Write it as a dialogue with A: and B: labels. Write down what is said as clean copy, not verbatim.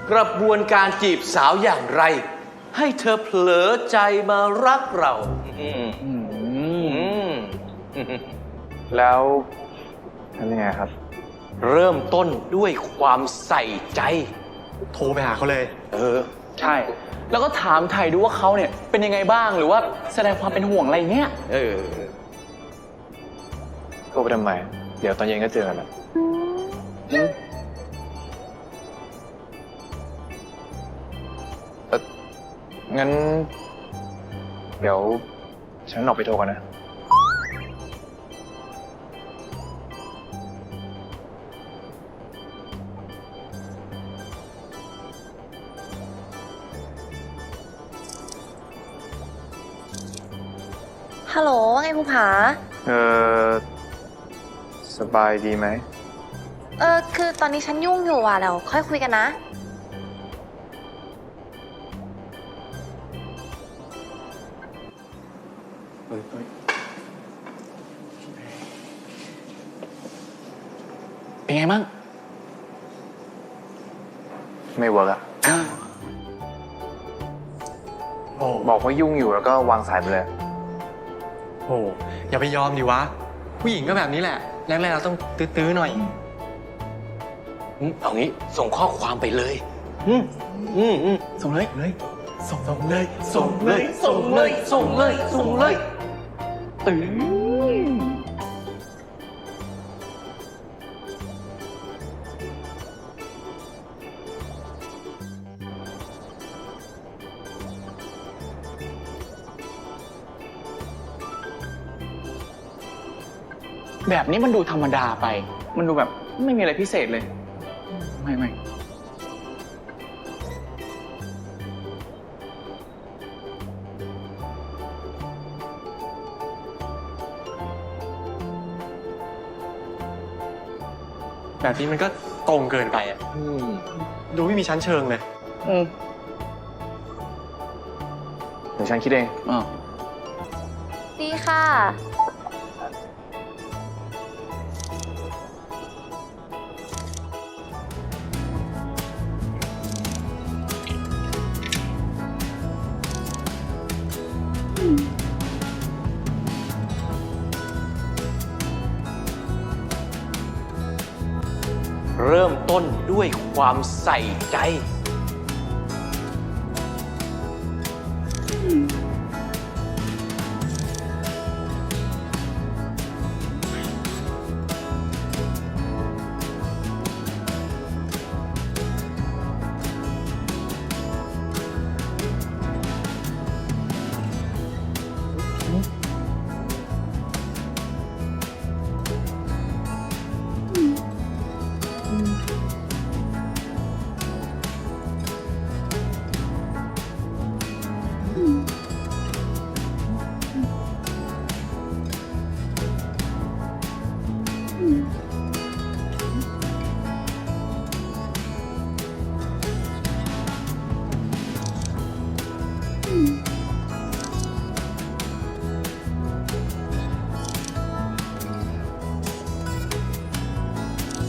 A: กระบวนการจีบสาวอย่างไร ให้เธอเผลอใจมารักเรา
B: แล้วทำยังไงครับ
A: เริ่มต้นด้วยความใส่ใจ
C: โทรไปหาเขาเลย
D: ใช่ แล้วก็ถามไถ่ดูว่าเขาเนี่ยเป็นยังไงบ้างหรือว่าแสดงความเป็นห่วงอะไรเงี้ย
B: โทรไปทำไม เดี๋ยวตอนเย็นก็เจอกันแหละงั้น เดี๋ยวฉันออกไปโทรกันนะ
E: ฮัลโหลว่าไงภูผา
B: สบายดีไหม
E: คือตอนนี้ฉันยุ่งอยู่ว่ะเดี๋ยวค่อยคุยกันนะ
D: เป็นไงบ้าง
B: ไม่เวิร์กอะบอกว่ายุ่งอยู่แล้วก็วางสายไปเลย
C: โอ้อย่าไปยอมดิวะ ผู้หญิงก็แบบนี้แหละ แรกๆเราต้องตื้อๆหน่อย
A: เอางี้ส่งข้อความไปเลย
D: ส่งเลย
C: ส่งเลย
A: ส่งเลย ส่งเลย ส่งเลย ส่งเลย
D: แบบนี้มันดูธรรมดาไป มันดูแบบไม่มีอะไรพิเศษเลย ไม่
C: แบบนี้มันก็ตรงเกินไปอ่ะดูไม่มีชั้นเชิงเลย
B: เดี๋ยวฉันคิดเอง
E: ดีค่ะ
A: เริ่มต้นด้วยความใส่ใจ